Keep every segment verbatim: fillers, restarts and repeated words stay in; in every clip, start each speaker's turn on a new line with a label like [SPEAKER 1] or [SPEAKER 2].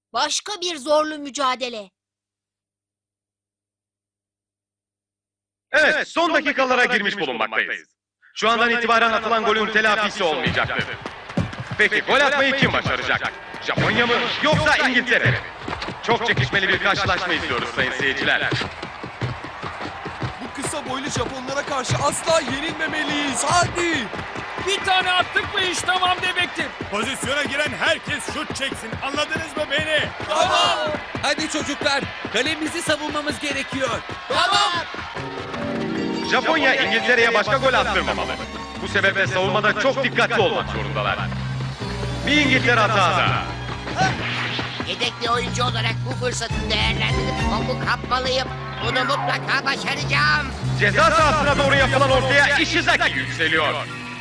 [SPEAKER 1] Başka bir zorlu mücadele.
[SPEAKER 2] Evet, son dakikalara girmiş bulunmaktayız. Şu andan itibaren atılan golün telafisi olmayacaktır. Peki gol atmayı kim başaracak? Japonya mı yoksa İngiltere mi? Çok çekişmeli bir karşılaşma izliyoruz sayın seyirciler.
[SPEAKER 3] Bu kısa boylu Japonlara karşı asla yenilmemeliyiz. Hadi!
[SPEAKER 4] Bir tane attık mı iş tamam demektir.
[SPEAKER 5] Pozisyona giren herkes şut çeksin. Anladınız mı beni?
[SPEAKER 3] Tamam! Hadi çocuklar, kalemizi savunmamız gerekiyor.
[SPEAKER 1] Tamam.
[SPEAKER 2] Japonya İngiltere'ye başka gol attırmamalı. Bu sebeple savunmada çok dikkatli olmak zorundalar. Bir İngiltere hatada.
[SPEAKER 6] Yedekli oyuncu olarak bu fırsatı değerlendirip topu kapmalıyım. Bunu mutlaka başaracağım.
[SPEAKER 2] Ceza sahasına doğru yapılan ortaya Ishizaki yükseliyor.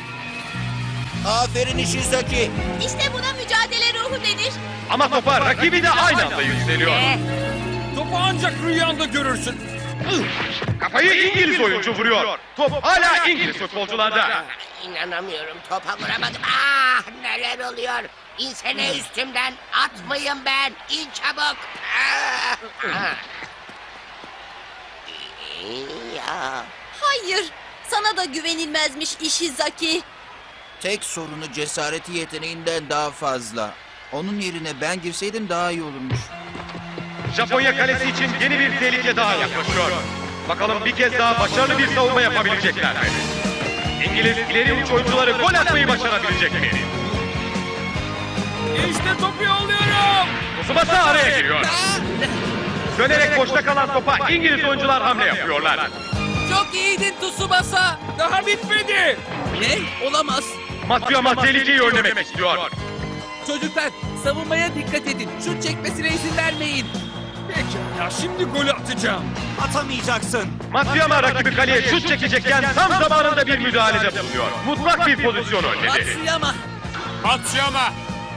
[SPEAKER 3] Aferin Ishizaki.
[SPEAKER 1] İşte buna mücadele ruhu denir.
[SPEAKER 2] Ama topa rakibi de aynı anda yükseliyor.
[SPEAKER 6] Eh,
[SPEAKER 4] Topu ancak rüyanda görürsün.
[SPEAKER 2] Kafayı İngiliz oyuncu vuruyor. Top hala İngiliz futbolcularda.
[SPEAKER 6] inanamıyorum, topa vuramadım. Ah, neler oluyor? İnsene üstümden, atmayın ben. İn çabuk. Ah, ah. Ya.
[SPEAKER 1] Hayır. Sana da güvenilmezmiş Ishizaki.
[SPEAKER 7] Tek sorunu cesareti yeteneğinden daha fazla. Onun yerine ben girseydim daha iyi olurmuş.
[SPEAKER 2] Japonya kalesi için yeni bir tehlike daha yaklaşıyor. Bakalım bir kez daha başarılı bir savunma yapabilecekler mi? İngiliz ileri uç oyuncuları gol atmayı başarabilecek mi?
[SPEAKER 4] İşte topu yolluyorum.
[SPEAKER 2] Tsubasa araya giriyor. Dönerek boşta kalan topa İngiliz oyuncular hamle yapıyorlar.
[SPEAKER 3] Çok iyiydin Tsubasa.
[SPEAKER 4] Daha bitmedi.
[SPEAKER 3] Ne? Olamaz.
[SPEAKER 2] Matsuyama tehlikeyi önlemek istiyor.
[SPEAKER 3] Çocuklar, savunmaya dikkat edin. Şut çekmesine izin vermeyin.
[SPEAKER 4] Pekala şimdi golü atacağım.
[SPEAKER 5] Atamayacaksın.
[SPEAKER 2] Matsuyama rakibi kaleye şut çekecekken tam zamanında bir müdahalede bulunuyor. Mutlak bir pozisyon önledi.
[SPEAKER 3] Matsuyama.
[SPEAKER 5] Matsuyama.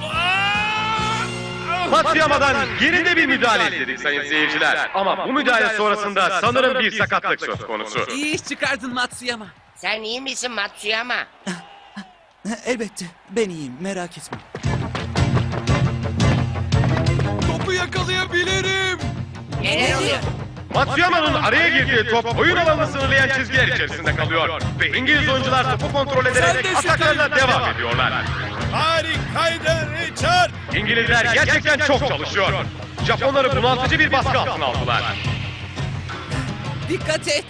[SPEAKER 2] Matsuyama'dan yerinde bir müdahale istedik sayın seyirciler. Ama bu müdahale sonrasında sanırım bir sakatlık söz konusu.
[SPEAKER 3] İyi iş çıkardın Matsuyama.
[SPEAKER 6] Sen iyi misin Matsuyama?
[SPEAKER 7] Elbette. Ben iyiyim. Merak etme.
[SPEAKER 3] Topu yakalayabilirim.
[SPEAKER 6] Neler oluyor?
[SPEAKER 2] Matsuyama'nın araya girdiği top oyun alanını sınırlayan çizgiler içerisinde kalıyor. Ve İngiliz oyuncular topu kontrol ederek
[SPEAKER 3] Sen de
[SPEAKER 2] ataklarına
[SPEAKER 3] şutayı-
[SPEAKER 2] devam ediyorlar.
[SPEAKER 5] Harikaydın Richard.
[SPEAKER 2] İngilizler gerçekten çok çalışıyor. Japonları bunaltıcı bir baskı altına aldılar.
[SPEAKER 3] Dikkat et.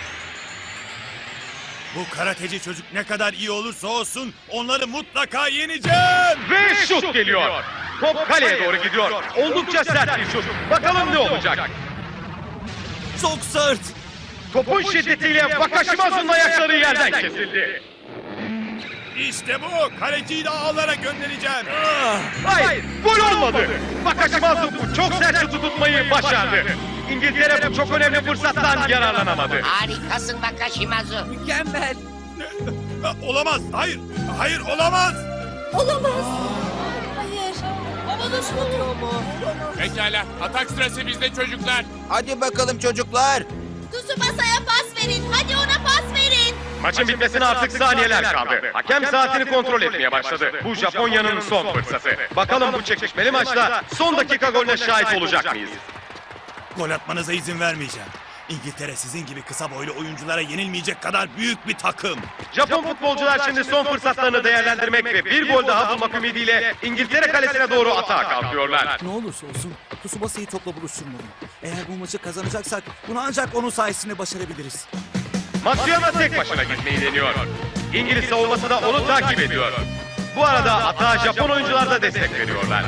[SPEAKER 5] Bu karateci çocuk ne kadar iyi olursa olsun onları mutlaka yeneceğim.
[SPEAKER 2] Ve şut geliyor. Top kaleye doğru gidiyor. Oldukça sert bir şut. Bakalım ne olacak?
[SPEAKER 3] Çok sert.
[SPEAKER 2] Topun şiddetiyle Wakashimazu'nun ayakları yerden kesildi.
[SPEAKER 5] İşte bu. Kaleciyi de ağlara göndereceğim.
[SPEAKER 2] Hayır, gol olmadı. Wakashimazu bu çok sert şutu tutmayı başardı. İngiltere bu çok önemli fırsattan yararlanamadı.
[SPEAKER 6] Harikasın Wakashimazu.
[SPEAKER 3] Mükemmel.
[SPEAKER 5] Olamaz. Hayır. Hayır olamaz.
[SPEAKER 1] Olamaz. Hayır. Bana şunu.
[SPEAKER 4] Pekala atak sırası bizde çocuklar.
[SPEAKER 7] Hadi bakalım çocuklar.
[SPEAKER 1] Tsubasa'ya pas verin. Hadi ona pas verin.
[SPEAKER 2] Maçın bitmesine artık saniyeler kaldı. Hakem saatini kontrol etmeye başladı. Bu Japonya'nın son fırsatı. Bakalım bu çekişmeli maçta son dakika golüne şahit olacak mıyız?
[SPEAKER 5] Gol atmanıza izin vermeyeceğim. İngiltere sizin gibi kısa boylu oyunculara yenilmeyecek kadar büyük bir takım.
[SPEAKER 2] Japon futbolcular şimdi son fırsatlarını değerlendirmek ve bir gol daha bulmak ümidiyle İngiltere kalesine doğru atağa kalkıyorlar.
[SPEAKER 7] Ne olursa olsun Tsubasa'yı topla buluşturmalıyım. Eğer bu maçı kazanacaksak bunu ancak onun sayesinde başarabiliriz.
[SPEAKER 2] Matsuyama tek başına gitmeyi deniyor. İngiliz savunması da onu takip ediyor. Bu arada atağa Japon oyuncular da destek veriyorlar.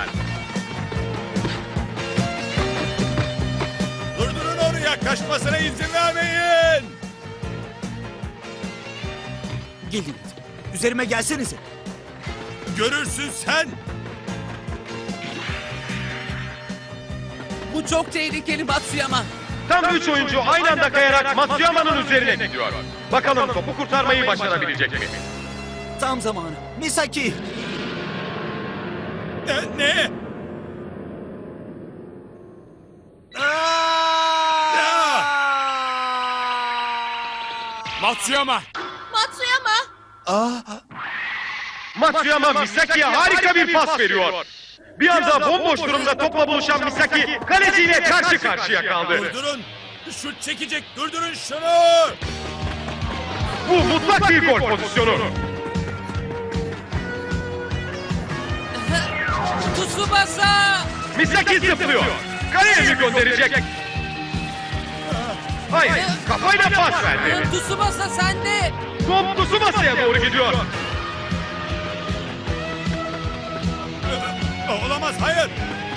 [SPEAKER 5] Durdurun onu, yaklaşmasına izin vermeyin.
[SPEAKER 7] Gelin. Üzerime gelsenize.
[SPEAKER 5] Görürsün sen.
[SPEAKER 3] Bu çok tehlikeli Matsuyama.
[SPEAKER 2] Tam üç oyuncu aynı anda kayarak Matsuyama'nın üzerine gidiyor. Bakalım topu kurtarmayı başarabilecek mi?
[SPEAKER 7] Tam zamanı. Misaki.
[SPEAKER 5] Ne? ne?
[SPEAKER 4] Matsuyama.
[SPEAKER 1] Matsuyama.
[SPEAKER 7] Aa,
[SPEAKER 2] Matsuyama Misaki'ye harika bir pas veriyor. Bir anda bomboş durumda topla buluşan Misaki kaleciyle karşı karşıya kaldı.
[SPEAKER 5] Durdurun. Şut çekecek. Durdurun şunu.
[SPEAKER 2] Bu mutlak bir gol pozisyonu.
[SPEAKER 3] Tsubasa!
[SPEAKER 2] Misaki zıplıyor. Kaleye mi gönderecek? Hayır, kafayla pas verdi.
[SPEAKER 3] Tsubasa sende!
[SPEAKER 2] Top Tsubasa'ya doğru gidiyor.
[SPEAKER 5] Olamaz. Hayır.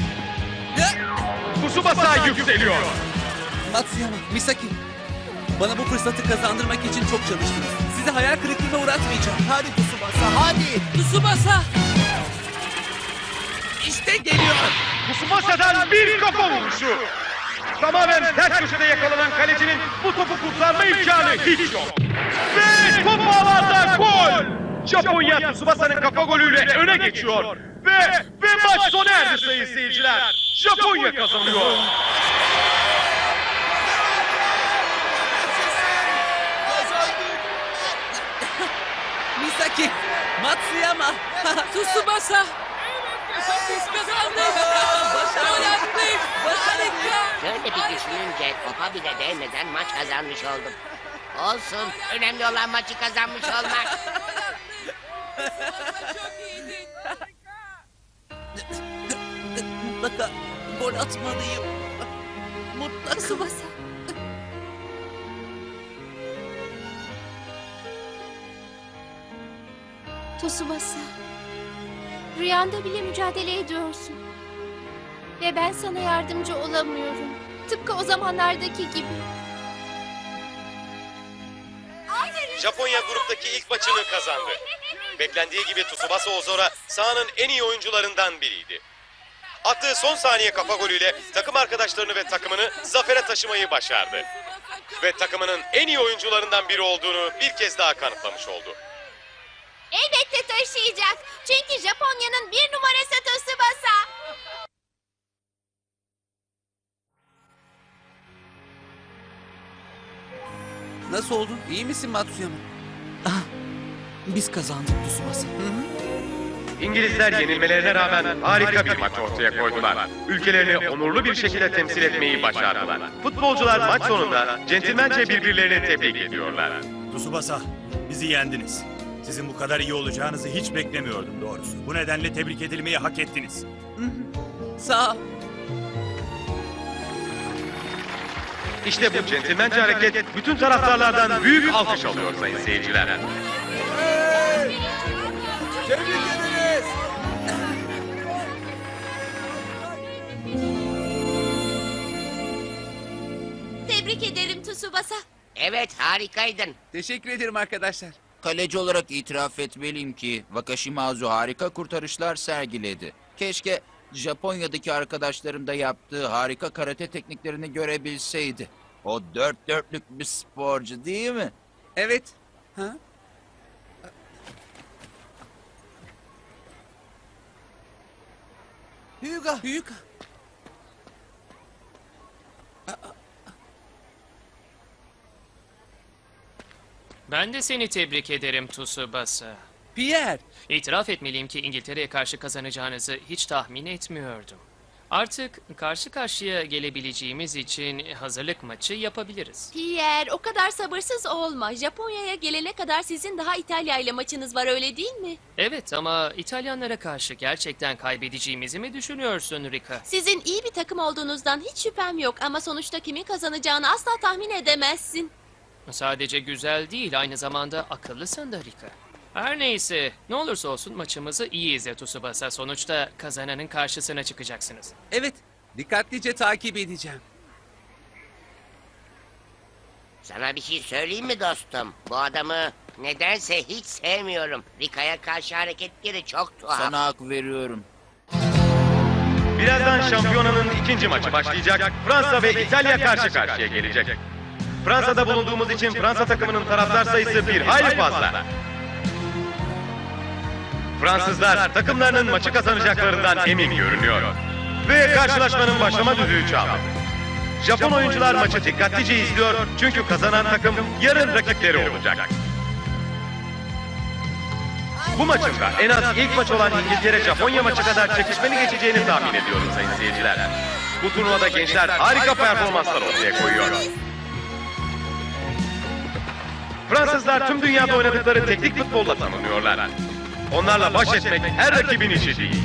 [SPEAKER 2] Tsubasa yükseliyor.
[SPEAKER 3] Matsuyama, Misaki. Bana bu fırsatı kazandırmak için çok çalıştınız. Sizi hayal kırıklığına uğratmayacağım. Hadi Tsubasa, hadi! Tsubasa! İşte geliyor.
[SPEAKER 2] Tsubasa'dan bir kafa vuruşu. Tamamen ters köşede yakalanan kalecinin bu topu kurtarma imkanı hiç yok. Ve top ağlarda gol! Japonya Tsubasa'nın kafa golüyle öne geçiyor. Ve, ve maç sona erdi sayın seyirciler. Japonya kazanıyor.
[SPEAKER 3] Misaki, Matsuyama, Tsubasa. Biz kazandık. Başarı yaptık. Harika.
[SPEAKER 6] Şöyle bir düşününce topa bile değmeden maç kazanmış oldum. Olsun. Önemli olan maçı kazanmış olmak.
[SPEAKER 3] Çok iyiydin. Mutlaka gol atmalıyım. Mutlaka.
[SPEAKER 1] Tsubasa. Tsubasa. Rüyanda bile mücadele ediyorsun. Ve ben sana yardımcı olamıyorum. Tıpkı o zamanlardaki gibi.
[SPEAKER 2] Japonya gruptaki ilk maçını kazandı. Beklendiği gibi Tsubasa Ozora sahanın en iyi oyuncularından biriydi. Attığı son saniye kafa golüyle takım arkadaşlarını ve takımını zafere taşımayı başardı. Ve takımının en iyi oyuncularından biri olduğunu bir kez daha kanıtlamış oldu.
[SPEAKER 1] Elbette taşıyacak. Çünkü Japonya'nın bir numarası Tsubasa.
[SPEAKER 3] Nasıl oldu? İyi misin Matsuyama? Ah, biz kazandık Tsubasa. Hı hı.
[SPEAKER 2] İngilizler yenilmelerine rağmen harika bir maç ortaya koydular. Ülkelerini onurlu bir şekilde temsil etmeyi başardılar. Futbolcular maç sonunda centilmence birbirlerini tebrik ediyorlar.
[SPEAKER 5] Tsubasa, bizi yendiniz. Sizin bu kadar iyi olacağınızı hiç beklemiyordum doğrusu. Bu nedenle tebrik edilmeyi hak ettiniz.
[SPEAKER 3] Sağ ol.
[SPEAKER 2] İşte bu centilmence hareket bütün taraftarlardan büyük alkış alıyor sayın seyirciler.
[SPEAKER 1] Tebrik ederim Tsubasa.
[SPEAKER 6] Evet, harikaydın.
[SPEAKER 3] Teşekkür ederim arkadaşlar.
[SPEAKER 7] Kaleci olarak itiraf etmeliyim ki Wakashimazu harika kurtarışlar sergiledi. Keşke Japonya'daki arkadaşlarım da yaptığı harika karate tekniklerini görebilseydi. O dört dörtlük bir sporcu değil mi?
[SPEAKER 3] Evet. Ha? Hyuga. Hyuga.
[SPEAKER 8] Ben de seni tebrik ederim Tsubasa.
[SPEAKER 3] Pierre.
[SPEAKER 8] İtiraf etmeliyim ki İngiltere'ye karşı kazanacağınızı hiç tahmin etmiyordum. Artık karşı karşıya gelebileceğimiz için hazırlık maçı yapabiliriz.
[SPEAKER 1] Pierre, o kadar sabırsız olma. Japonya'ya gelene kadar sizin daha İtalya ile maçınız var, öyle değil mi?
[SPEAKER 8] Evet ama İtalyanlara karşı gerçekten kaybedeceğimizi mi düşünüyorsun Rika?
[SPEAKER 1] Sizin iyi bir takım olduğunuzdan hiç şüphem yok ama sonuçta kimin kazanacağını asla tahmin edemezsin.
[SPEAKER 8] Sadece güzel değil, aynı zamanda akıllısın da Rika. Her neyse, ne olursa olsun maçımızı iyi izle Tsubasa. Sonuçta kazananın karşısına çıkacaksınız.
[SPEAKER 3] Evet. Dikkatlice takip edeceğim.
[SPEAKER 6] Sana bir şey söyleyeyim mi dostum? Bu adamı nedense hiç sevmiyorum. Rika'ya karşı hareketleri çok tuhaf.
[SPEAKER 7] Sana hak veriyorum.
[SPEAKER 2] Birazdan şampiyonanın ikinci maçı başlayacak. Fransa ve İtalya karşı karşıya gelecek. Fransa'da bulunduğumuz için Fransa takımının taraftar sayısı bir hayli fazla. Fransızlar takımlarının maçı kazanacaklarından emin görünüyor. Ve karşılaşmanın başlama düdüğü çaldı. Japon oyuncular maçı dikkatlice izliyor çünkü kazanan takım yarın rakipleri olacak. Bu maçın da en az ilk maç olan İngiltere-Japonya maçı kadar çekişmeli geçeceğini tahmin ediyorum sayın seyirciler. Bu turnuvada gençler harika performanslar ortaya koyuyor. Fransızlar tüm dünyada oynadıkları teknik futbolla tanınıyorlar. Onlarla baş etmek her rakibin işi değil.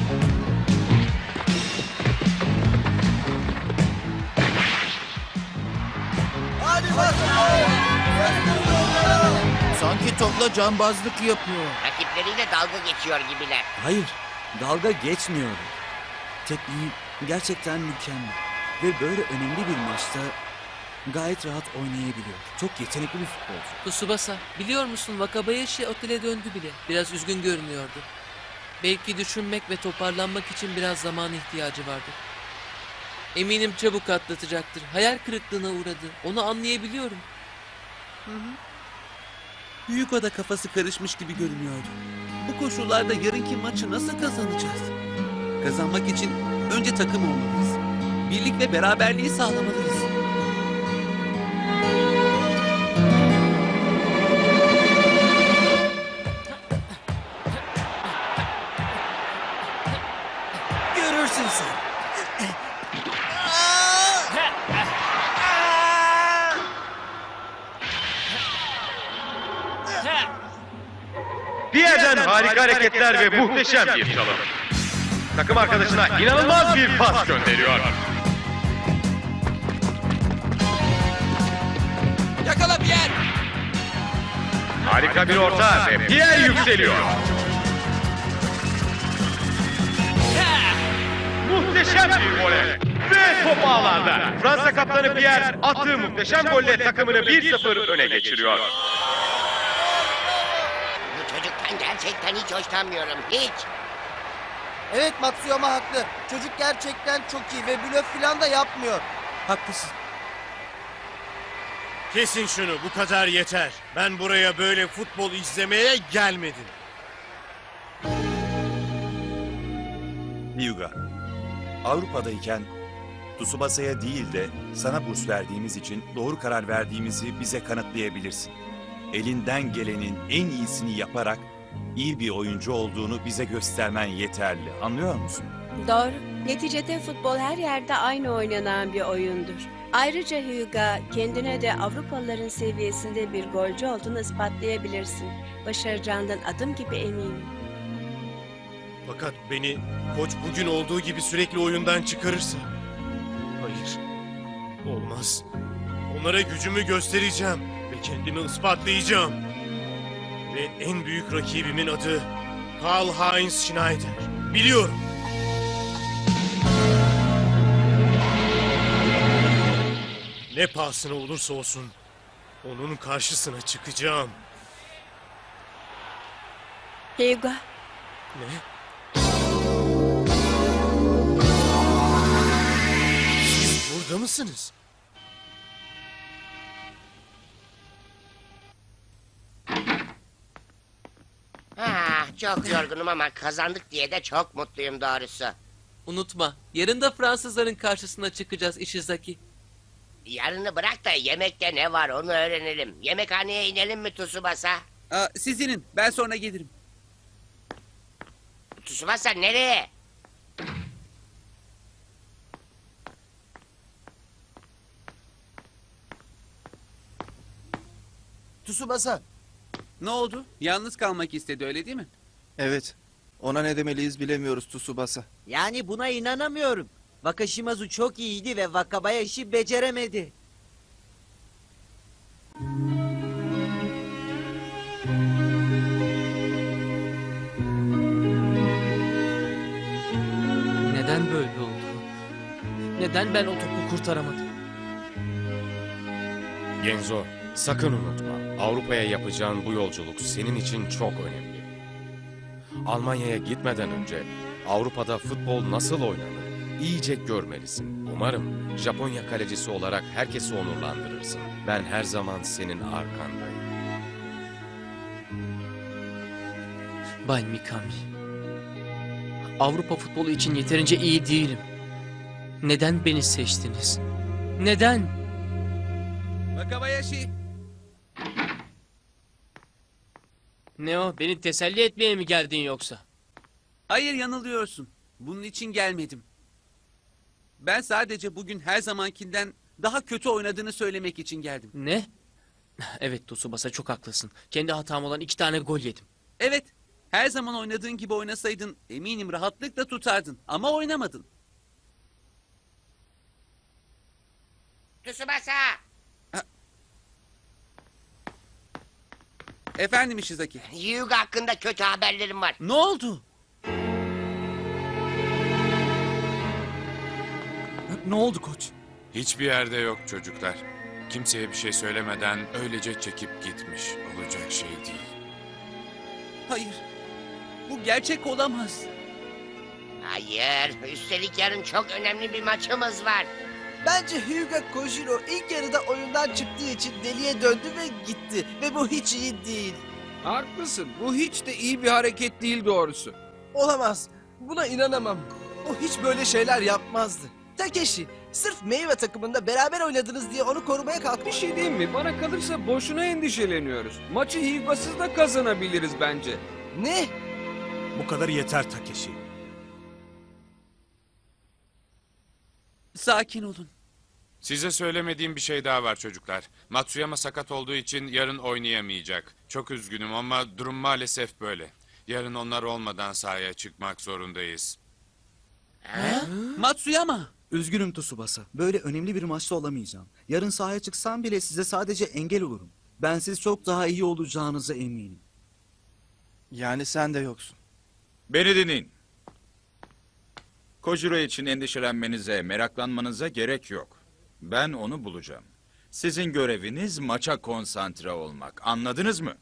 [SPEAKER 7] Sanki topla cambazlık yapıyor.
[SPEAKER 6] Rakipleriyle dalga geçiyor gibiler.
[SPEAKER 3] Hayır, dalga geçmiyor. Tekniği gerçekten mükemmel. Ve böyle önemli bir maçta gayet rahat oynayabiliyor. Çok yetenekli bir futbolcu.
[SPEAKER 9] Tsubasa, biliyor musun Wakabayashi otele döndü bile. Biraz üzgün görünüyordu. Belki düşünmek ve toparlanmak için biraz zaman ihtiyacı vardı. Eminim çabuk atlatacaktır. Hayal kırıklığına uğradı. Onu anlayabiliyorum.
[SPEAKER 3] Büyük Ada kafası karışmış gibi görünüyordu. Bu koşullarda yarınki maçı nasıl kazanacağız? Kazanmak için önce takım olmalıyız. Birlik ve beraberliği sağlamalıyız. Görürsün sen.
[SPEAKER 2] Bir yerden harika hareketler ve muhteşem bir çalım. Takım arkadaşına inanılmaz bir pas gönderiyor.
[SPEAKER 3] Yakala Pierre!
[SPEAKER 2] Harika bir orta ve Pierre yükseliyor. Muhteşem bir voley. Ve top ağlarda. Fransa kaptanı Pierre attığı muhteşem golle takımını bir sıfır öne geçiriyor.
[SPEAKER 6] Bu çocuktan gerçekten hiç hoşlanmıyorum. Hiç.
[SPEAKER 10] Evet Matsuyama haklı. Çocuk gerçekten çok iyi ve blöf falan da yapmıyor.
[SPEAKER 3] Haklısın.
[SPEAKER 4] Kesin şunu, bu kadar yeter. Ben buraya böyle futbol izlemeye gelmedim.
[SPEAKER 5] Hyuga, Avrupa'dayken Tsubasa'ya değil de sana burs verdiğimiz için doğru karar verdiğimizi bize kanıtlayabilirsin. Elinden gelenin en iyisini yaparak iyi bir oyuncu olduğunu bize göstermen yeterli. Anlıyor musun?
[SPEAKER 11] Doğru. Neticede futbol her yerde aynı oynanan bir oyundur. Ayrıca Hyuga, kendine de Avrupalıların seviyesinde bir golcü olduğunu ispatlayabilirsin. Başaracağından adım gibi eminim.
[SPEAKER 4] Fakat beni koç bugün olduğu gibi sürekli oyundan çıkarırsa... Hayır, olmaz. Onlara gücümü göstereceğim ve kendimi ispatlayacağım. Ve en büyük rakibimin adı Karl-Heinz Schneider. Biliyorum. Ne pahasına olursa olsun onun karşısına çıkacağım.
[SPEAKER 11] Hyuga,
[SPEAKER 4] Ne? Siz burada mısınız?
[SPEAKER 6] Ah, çok yorgunum ama kazandık diye de çok mutluyum doğrusu.
[SPEAKER 9] Unutma, yarın da Fransızların karşısına çıkacağız Ishizaki.
[SPEAKER 6] Yarını bırak da yemekte ne var onu öğrenelim. Yemekhaneye inelim mi Tsubasa?
[SPEAKER 3] Aa, siz inin, ben sonra gelirim.
[SPEAKER 6] Tsubasa nereye?
[SPEAKER 10] Tsubasa.
[SPEAKER 3] Ne oldu? Yalnız kalmak istedi, öyle değil mi?
[SPEAKER 12] Evet. Ona ne demeliyiz bilemiyoruz Tsubasa.
[SPEAKER 10] Yani buna inanamıyorum. Wakashimazu çok iyiydi ve Wakabayashi beceremedi.
[SPEAKER 9] Neden böyle oldu? Neden ben o topu kurtaramadım?
[SPEAKER 13] Genzo, sakın unutma. Avrupa'ya yapacağın bu yolculuk senin için çok önemli. Almanya'ya gitmeden önce Avrupa'da futbol nasıl oynanır iyice görmelisin. Umarım Japonya kalecisi olarak herkesi onurlandırırsın. Ben her zaman senin arkandayım.
[SPEAKER 8] Bay Mikami. Avrupa futbolu için yeterince iyi değilim. Neden beni seçtiniz? Neden?
[SPEAKER 3] Wakabayashi!
[SPEAKER 9] Ne o? Beni teselli etmeye mi geldin yoksa?
[SPEAKER 3] Hayır, yanılıyorsun. Bunun için gelmedim. Ben sadece bugün her zamankinden daha kötü oynadığını söylemek için geldim.
[SPEAKER 9] Ne? Evet Tsubasa, çok haklısın. Kendi hatam olan iki tane gol yedim.
[SPEAKER 3] Evet, her zaman oynadığın gibi oynasaydın eminim rahatlıkla tutardın ama oynamadın.
[SPEAKER 6] Tsubasa!
[SPEAKER 3] Efendim Ishizaki.
[SPEAKER 6] Hyuga hakkında kötü haberlerim var.
[SPEAKER 3] Ne oldu?
[SPEAKER 12] Ne oldu koç?
[SPEAKER 14] Hiçbir yerde yok çocuklar. Kimseye bir şey söylemeden öylece çekip gitmiş. Olacak şey değil.
[SPEAKER 3] Hayır, bu gerçek olamaz.
[SPEAKER 6] Hayır, üstelik yarın çok önemli bir maçımız var.
[SPEAKER 10] Bence Hyuga Kojiro ilk yarıda oyundan çıktığı için deliye döndü ve gitti. Ve bu hiç iyi değil.
[SPEAKER 12] Haklısın. Bu hiç de iyi bir hareket değil doğrusu.
[SPEAKER 10] Olamaz. Buna inanamam. O hiç böyle şeyler yapmazdı. Takeshi, sırf meyve takımında beraber oynadınız diye onu korumaya kalkmış.
[SPEAKER 12] Bir şey diyeyim mi? Bana kalırsa boşuna endişeleniyoruz. Maçı Hyuga'sız da kazanabiliriz bence.
[SPEAKER 10] Ne?
[SPEAKER 5] Bu kadar yeter Takeshi.
[SPEAKER 3] Sakin olun.
[SPEAKER 14] Size söylemediğim bir şey daha var çocuklar. Matsuyama sakat olduğu için yarın oynayamayacak. Çok üzgünüm ama durum maalesef böyle. Yarın onlar olmadan sahaya çıkmak zorundayız.
[SPEAKER 3] Matsuyama.
[SPEAKER 15] Üzgünüm Tsubasa. Böyle önemli bir maçta olamayacağım. Yarın sahaya çıksam bile size sadece engel olurum. Ben siz çok daha iyi olacağınıza eminim.
[SPEAKER 12] Yani sen de yoksun.
[SPEAKER 7] Beni dinleyin. Kojiro için endişelenmenize, meraklanmanıza gerek yok. Ben onu bulacağım. Sizin göreviniz maça konsantre olmak. Anladınız mı?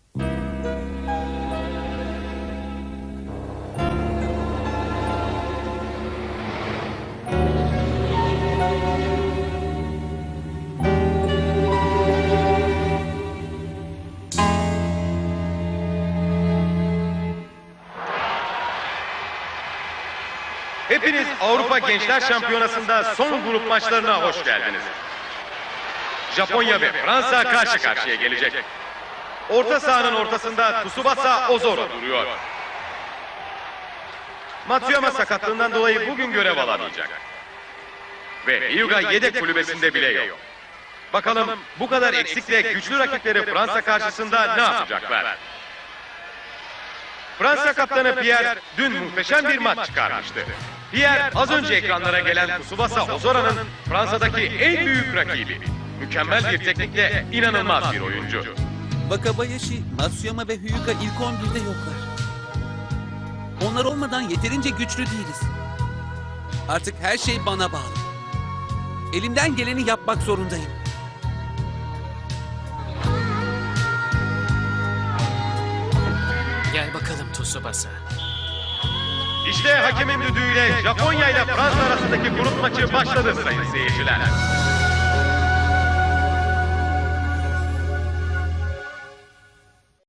[SPEAKER 2] Hepiniz Avrupa Gençler Şampiyonası'nda son grup maçlarına hoş geldiniz. Japonya ve Fransa karşı karşıya gelecek. Orta sahanın ortasında Tsubasa Ozora duruyor. Matsuyama sakatlığından dolayı bugün görev alamayacak. Ve Hyuga yedek kulübesinde bile yok. Bakalım bu kadar eksikle güçlü rakipleri Fransa karşısında ne yapacaklar? Fransa kaptanı Pierre dün muhteşem bir maç çıkarmıştı. Pierre az önce ekranlara gelen Tsubasa Ozora'nın Fransa'daki en büyük rakibi. Mükemmel bir teknikle inanılmaz bir oyuncu.
[SPEAKER 3] Wakabayashi, Matsuyama ve Hyuga ilk on birde yoklar. Onlar olmadan yeterince güçlü değiliz. Artık her şey bana bağlı. Elimden geleni yapmak zorundayım.
[SPEAKER 8] Gel bakalım Tsubasa.
[SPEAKER 2] İşte hakemin düdüğüyle Japonya ile Fransa arasındaki grup maçı başladı sayın seyirciler.